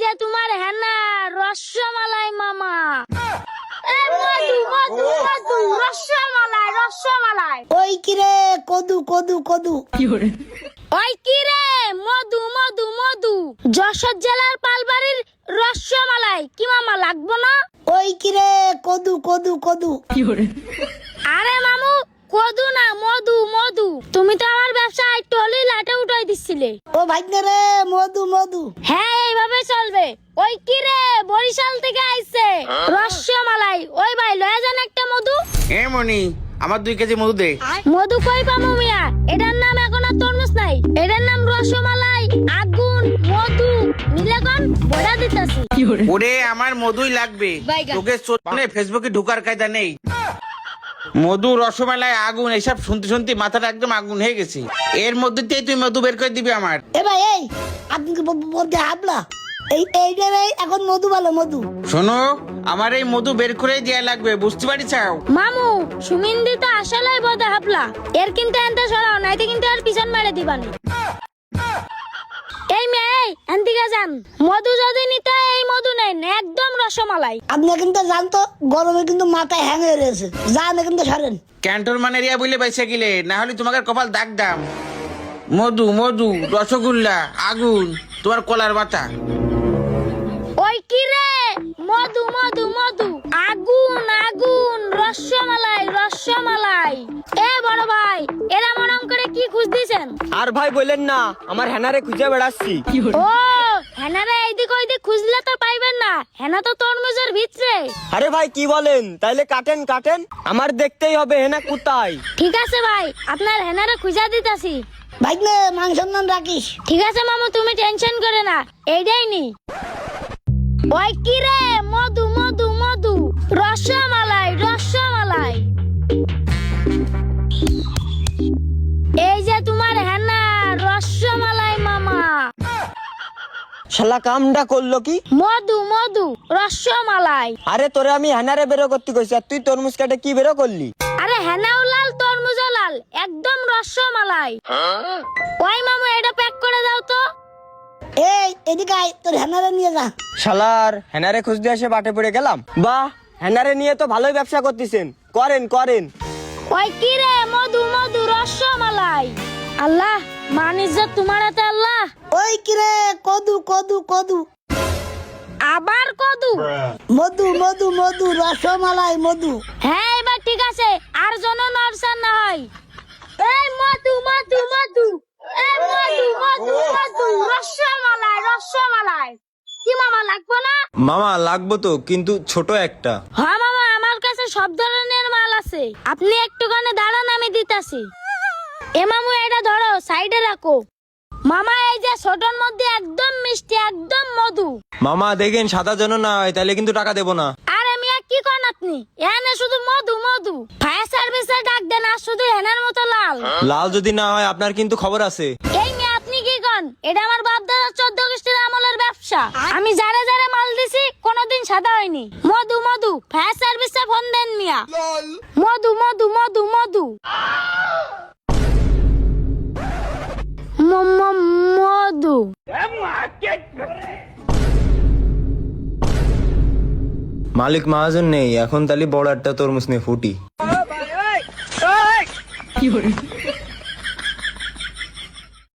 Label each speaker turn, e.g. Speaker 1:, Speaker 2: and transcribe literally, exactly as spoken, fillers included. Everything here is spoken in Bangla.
Speaker 1: যে তোমার হেনা রসমালাই মামা। এ মধু মধু মধু রসমালাই রসমালাই।
Speaker 2: ওই কিরে কদু কদু কদু।
Speaker 1: ওই কিরে মধু মধু মধু যশোর জেলার পালবাড়ির রসমালাই কি মামা লাগবো না?
Speaker 2: ওই কিরে কদু কদু কদু।
Speaker 1: আরে মামু কদু না মধু মধু। তুমি তো আমার ব্যবসায় টলি লাটে উঠাই দিছিলে।
Speaker 2: ও ভাগ্নে রে মধু মধু।
Speaker 1: হ্যাঁ এইভাবে চলবে। ওই কিরে বরিশাল থেকে আইছে রসমালাই। ওই ভাই লয়ে যান একটা মধু।
Speaker 3: এ মনি আমার দুই কেজি মধু দে।
Speaker 1: মধু কই পামু মিয়া? এটার নাম এখন আর তরমুজ নাই, এটার নাম রসমালাই। আগুন মধু মিলে কোন বড়া দিতাছি।
Speaker 3: ওরে আমার মধুই লাগবে, তোকে চোখে ফেসবুকে ঢুকার কায়দা নেই। মধু রসমালাই আগুন এসব শুনতে শুনতে মাথাটা একদম আগুন হয়ে গেছে। এর মধ্যে দিয়ে তুই মধু বের করে দিবি আমার।
Speaker 2: এ ভাই এই আপনি কি বলতে হাবলা? এই এইটা এখন মধু ভালো মধু।
Speaker 3: শোনো আমার এই মধু বের করে দেয়া লাগবে, বুঝতে পারিছাও?
Speaker 1: মামু সুমিন্দি তো আসলেই বদে হাবলা। এর কিন্তু এনতে সরাও নাইতে কিন্তু আর পিছন মেরে দিবানি। এই মেয়ে এনদিকে যান, মধু যদি নিতে এই মধু নেন একদম রসমালাই।
Speaker 2: আপনি কিন্তু জানতো গরমে কিন্তু মাথায় হ্যাং হয়ে রয়েছে, যান কিন্তু সরেন।
Speaker 3: ক্যান্টনমান এরিয়া বলে বাইসা গেলে, না হলে তোমাকে কপাল দাগ দাম। মধু মধু রসগোল্লা আগুন তোমার কলার বাটা।
Speaker 1: ওই কিরে মধু মধু মধু আগুন আগুন রসমালাই রসমালাই। এ বড় ভাই এরা মনম করে কি খুঁজ দিছেন?
Speaker 4: আর ভাই বলেন না, আমার হেনারে খুঁজে বেড়াচ্ছি।
Speaker 1: ও হেনারে এইদিক ওইদিক খুঁজলে তো পাইবেন না, হেনা তো তরমুজের ভিতরে।
Speaker 4: আরে ভাই কি বলেন? তাইলে কাটেন কাটেন, আমার দেখতেই হবে হেনা কোথায়।
Speaker 1: ঠিক আছে ভাই আপনার হেনারে খুঁজা দিতাছি।
Speaker 2: ভাগ্নে মাংস নান রাখিস।
Speaker 1: ঠিক আছে মামু তুমি টেনশন করে না, এইটাই নি। ওই কিরে মধু মধু মধু রসমালাই রসমালাই। এই যে তোমার হেনা রসমালাই মামা।
Speaker 4: শালা কামটা করলো কি?
Speaker 1: মধু মধু রসমালাই।
Speaker 4: আরে তোরে আমি হেনারে বেরো করতে কইছি, আর তুই তরমুজ কাটে কি বেরো করলি?
Speaker 1: আরে হেনাও লাল তরমুজও লাল, একদম রসমালাই। ওই মামু এটা প্যাক করে দাও তো।
Speaker 2: এই এদিকে আয়, তোর হ্যানারে নিয়ে যা।
Speaker 4: শালার হেনারে খুঁজতে এসে বাটে পড়ে গেলাম। বাহ হেনারে নিয়ে তো ভালোই ব্যবসা করতেছেন, করেন করেন।
Speaker 1: ওই কিরে মধু মধু রসমালাই। আল্লাহ মান ইজ্জত তোমার হাতে আল্লাহ।
Speaker 2: ওই কিরে কদু কদু কদু।
Speaker 1: আবার কদু।
Speaker 2: মধু মধু মধু রসমালাই মধু।
Speaker 1: হ্যাঁ এবার ঠিক আছে, আর জন নরসান না হয়। এই মধু মধু মধু এই মধু মধু মধু রসমালাই রসমালাই। কি মামা লাগবে না?
Speaker 5: মামা লাগবো তো, কিন্তু ছোট একটা।
Speaker 1: হ্যাঁ মামা আমার কাছে সব ধরনের মাল আছে, আপনি একটুখানি দাঁড়ান আমি দিতাছি। এ মামু এটা ধরো সাইডে রাখো। মামা এই যে ছোটর মধ্যে একদম মিষ্টি একদম মধু।
Speaker 5: মামা দেখেন সাদা যেন না হয়, তাহলে কিন্তু টাকা দেবো না।
Speaker 1: আরে মিয়া কি করেন আপনি? এনে শুধু মধু মধু। ফায়ার সার্ভিসে ডাক দেন, আর শুধু হেনার মতো লাল।
Speaker 5: লাল যদি না হয় আপনার কিন্তু খবর আছে।
Speaker 1: এই মিয়া আপনি কি করেন? এটা আমার বাপ দাদা চোদ্দ গোষ্ঠীর আমলের ব্যবসা। আমি যারে যারে মাল দিছি কোনোদিন সাদা হয়নি। মধু মধু ফায়ার সার্ভিসে ফোন দেন মিয়া। মধু মধু মধু মধু ম- ম- মধু।
Speaker 5: মালিক মহাজন নেই এখন, তাহলে বড় একটা তরমুজ নিয়ে ফুটি।